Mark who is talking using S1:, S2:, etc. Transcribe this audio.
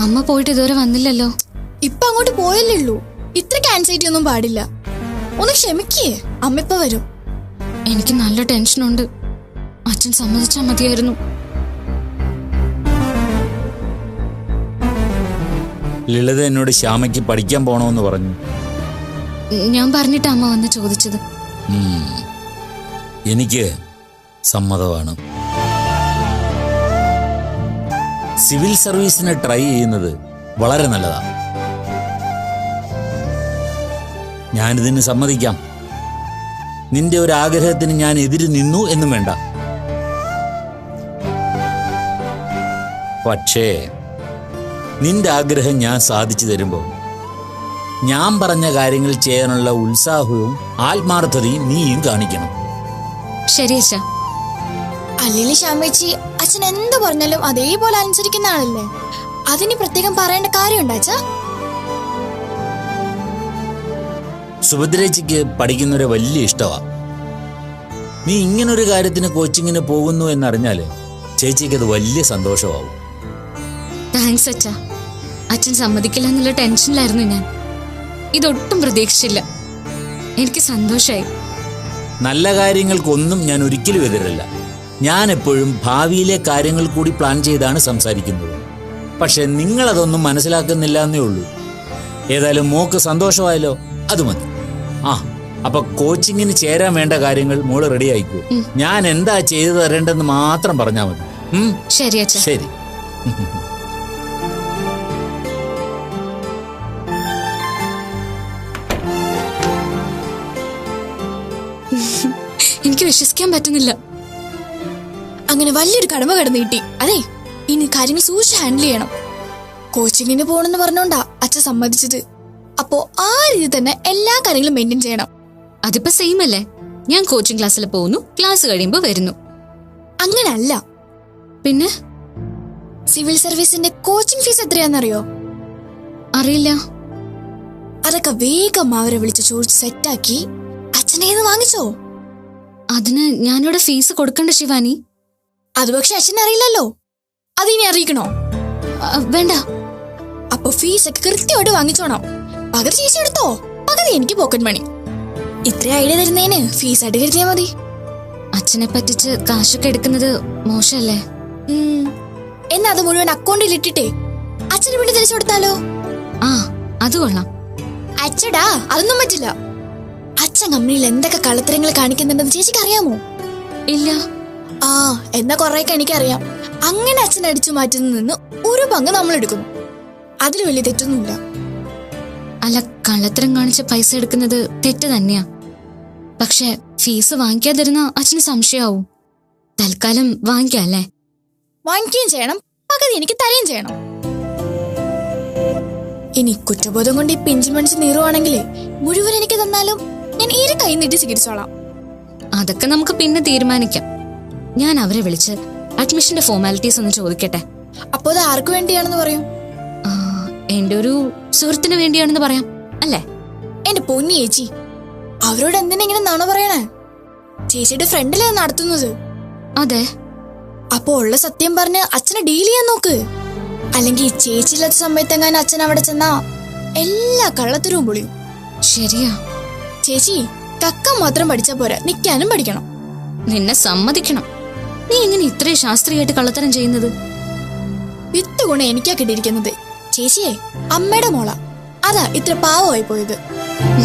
S1: അമ്മ പോയിട്ട് ഇതുവരെ വന്നില്ലല്ലോ.
S2: ഇപ്പൊ അങ്ങോട്ട് പോയല്ലേ ഉള്ളൂ. ഇത്രയ്ക്ക് ആൻസൈറ്റി ഒന്നും പാടില്ല. ഒന്ന് ക്ഷമിക്കേ, അമ്മ ഇപ്പൊ വരും.
S1: എനിക്ക് നല്ല ടെൻഷനുണ്ട്. അച്ഛൻ സമ്മതിച്ചാൽ മതിയായിരുന്നു.
S3: ലളിത എന്നോട് ശ്യാമയ്ക്ക് പഠിക്കാൻ പോണോന്ന് പറഞ്ഞു.
S1: ഞാൻ പറഞ്ഞിട്ട് അമ്മ വന്ന് ചോദിച്ചത്.
S3: എനിക്ക് സമ്മതമാണ്. സിവിൽ സർവീസിന് ട്രൈ ചെയ്യുന്നത് വളരെ നല്ലതാണ്. ഞാനിതിന് സമ്മതിക്കാം. നിന്റെ ഒരു ആഗ്രഹത്തിന് ഞാൻ എതിര് നിന്നു എന്നും വേണ്ട. പക്ഷേ നിന്റെ ആഗ്രഹം ഞാൻ സാധിച്ചു തരുമ്പോൾ ഞാൻ പറഞ്ഞ കാര്യങ്ങൾ ചെയ്യാനുള്ള ഉത്സാഹവും ആത്മാർത്ഥതയും നീയും കാണിക്കണം.
S1: ശരി അച്ഛാ.
S2: അല്ലെങ്കിൽ ശ്യാമേച്ചി അച്ഛൻ എന്ത് പറഞ്ഞാലും അതേപോലെ അനുസരിക്കുന്ന ആളല്ലേ. അതിന് പ്രത്യേകം പറയേണ്ട കാര്യമുണ്ടോ അച്ഛാ?
S3: സുഭദ്രേച്ചിക്ക് പഠിക്കുന്നവരെ വലിയ ഇഷ്ടമാ. നീ ഇങ്ങനൊരു കാര്യത്തിന് കോച്ചിങ്ങിന് പോകുന്നു എന്നറിഞ്ഞാല് ചേച്ചിക്ക് അത് വലിയ സന്തോഷമാവും.
S1: താങ്ക്സ് അച്ഛാ. അച്ഛൻ സമ്മതിക്കില്ല എന്നുള്ള ടെൻഷനിലായിരുന്നു ഞാൻ. ഇതൊട്ടും പ്രതീക്ഷിച്ചില്ല. എനിക്ക് സന്തോഷമായി.
S3: നല്ല കാര്യങ്ങൾക്കൊന്നും ഞാൻ ഒരിക്കലും എതിരല്ല. ഞാൻ എപ്പോഴും ഭാവിയിലെ കാര്യങ്ങൾ കൂടി പ്ലാൻ ചെയ്താണ് സംസാരിക്കുന്നത്. പക്ഷെ നിങ്ങളതൊന്നും മനസ്സിലാക്കുന്നില്ല എന്നേ ഉള്ളൂ. ഏതായാലും മോക്ക് സന്തോഷമായല്ലോ, അത് മതി. അപ്പൊ കോച്ചിങ്ങിന് ചേരാൻ വേണ്ട കാര്യങ്ങൾ മോള് റെഡി ആയിക്കോ. ഞാൻ എന്താ ചെയ്തു തരേണ്ടെന്ന് മാത്രം പറഞ്ഞാൽ മതി.
S1: ശരി അച്ഛാ.
S3: ശരി.
S1: എനിക്ക് വിശ്വസിക്കാൻ പറ്റുന്നില്ല.
S2: അങ്ങനെ വലിയൊരു കടമ കടന്നു കിട്ടി. അതെ, ഇനി കാര്യങ്ങൾ സൂക്ഷിച്ച് ഹാൻഡിൽ ചെയ്യണം. കോച്ചിങ്ങിന് പോകണമെന്ന് പറഞ്ഞോണ്ടാ അച്ഛൻ സമ്മതിച്ചത്. അപ്പോ ആ രീതി തന്നെ എല്ലാ കാര്യങ്ങളും മെയിൻറ്റെയിൻ ചെയ്യണം.
S1: അതിപ്പോ സെയിം അല്ലേ? ഞാൻ കോച്ചിങ് ക്ലാസ്സിൽ പോകുന്നു, ക്ലാസ് കഴിയുമ്പോ വരുന്നു.
S2: അങ്ങനല്ല.
S1: പിന്നെ
S2: സിവിൽ സർവീസിന്റെ കോച്ചിങ് ഫീസ് എത്രയാണെന്നറിയോ?
S1: അറിയില്ല.
S2: അതൊക്കെ വേഗം അവരെ വിളിച്ച് ചോദിച്ച് സെറ്റാക്കി അച്ഛനേന്ന് വാങ്ങിച്ചോ.
S1: അതിന് ഞാനിവിടെ ഫീസ് കൊടുക്കണ്ട ശിവാനി?
S2: അത് പക്ഷെ അച്ഛൻ അറിയില്ലല്ലോ. അതിനി അറിയിക്കണോ?
S1: വേണ്ട.
S2: അപ്പൊ ഫീസ് ഒക്കെ കൃത്യമായിട്ട് വാങ്ങിച്ചോണം. പകുതി ചേച്ചി എടുത്തോ, പകുതി എനിക്ക് പോക്കറ്റ് മണി. ഇത്ര ഐഡിയ തരുന്നതിന് ഫീസ് ആയിട്ട് കരുതിയാ മതി.
S1: അച്ഛനെ പറ്റിച്ച് കാശൊക്കെ എടുക്കുന്നത് മോശമല്ലേ?
S2: എന്നാ അത് മുഴുവൻ അക്കൗണ്ടിൽ ഇട്ടിട്ടേ അച്ഛന് വേണ്ടി തിരിച്ചു കൊടുത്താലോ?
S1: അത് കൊള്ളാം.
S2: അച്ഛടാ, അതൊന്നും പറ്റില്ല. അച്ഛൻ കമ്പനിയിൽ എന്തൊക്കെ കള്ളത്തരങ്ങൾ കാണിക്കുന്നുണ്ടെന്ന് ചേച്ചിക്ക് അറിയാമോ?
S1: ഇല്ല.
S2: എന്നാ കൊറേയൊക്കെ എനിക്കറിയാം. അങ്ങനെ അച്ഛൻ അടിച്ചു മാറ്റുന്ന നിന്ന് ഒരു പങ്ക് നമ്മൾ എടുക്കുന്നു. അതിൽ വലിയ തെറ്റൊന്നുമില്ല.
S1: അല്ല, കള്ളത്തരം കാണിച്ച പൈസ എടുക്കുന്നത് തെറ്റ് തന്നെയാ. പക്ഷെ ഫീസ് വാങ്ങിക്കാതിരുന്ന അച്ഛന് സംശയമാവും. തൽക്കാലം വാങ്ങിക്കല്ലേ?
S2: വാങ്ങിക്കുകയും ചെയ്യണം, പകുതി എനിക്ക് തരുകയും ചെയ്യണം. ഇനി കുറ്റബോധം കൊണ്ട് ഈ പിഞ്ചു മനസ്സ് നീറുവാണെങ്കിലേ മുഴുവൻ എനിക്ക് തന്നാലും ഞാൻ ഈരെ കൈ നീട്ടി സ്വീകരിച്ചോളാം.
S1: അതൊക്കെ നമുക്ക് പിന്നെ തീരുമാനിക്കാം. ഞാൻ അവരെ വിളിച്ച് അഡ്മിഷന്റെ ഫോർമാലിറ്റീസ് ഒന്ന് ചോദിക്കട്ടെ.
S2: അപ്പോ അത് ആർക്ക് വേണ്ടിയാണെന്ന് പറയും?
S1: എന്റെ ഒരു സുഹൃത്തിന് വേണ്ടിയാണെന്ന് പറയാം അല്ലേ?
S2: എന്റെ പൊന്നി ചേച്ചി, അവരോട് എന്തിനാ ഇങ്ങനെ നുണ പറയണേ? ചേച്ചിയുടെ ഫ്രണ്ടിലേ നടത്തുന്നത്.
S1: അതെ.
S2: അപ്പൊ ഉള്ള സത്യം പറഞ്ഞ് അച്ഛനെ ഡീൽ ചെയ്യാൻ നോക്ക്. അല്ലെങ്കിൽ ചേച്ചിയില്ലാത്ത സമയത്തെങ്ങാനും അച്ഛൻ അവിടെ ചെന്നാ എല്ലാ കള്ളത്തരവും പൊളിയും.
S1: ശരിയാ
S2: ചേച്ചി, കക്ക മാത്രം പഠിച്ചാ പോരാ, നിക്കാനും പഠിക്കണം.
S1: നിന്നെ സമ്മതിക്കണം. നീ എങ്ങനെ ഇത്രയും ശാസ്ത്രീയമായിട്ട് കള്ളത്തരം ചെയ്യുന്നത്?
S2: വിത്ത് ഗുണം എനിക്കാ കിട്ടിയിരിക്കുന്നത്. ചേച്ചിയെ അമ്മയുടെ മോള, അതാ ഇത്ര പാവമായി പോയത്.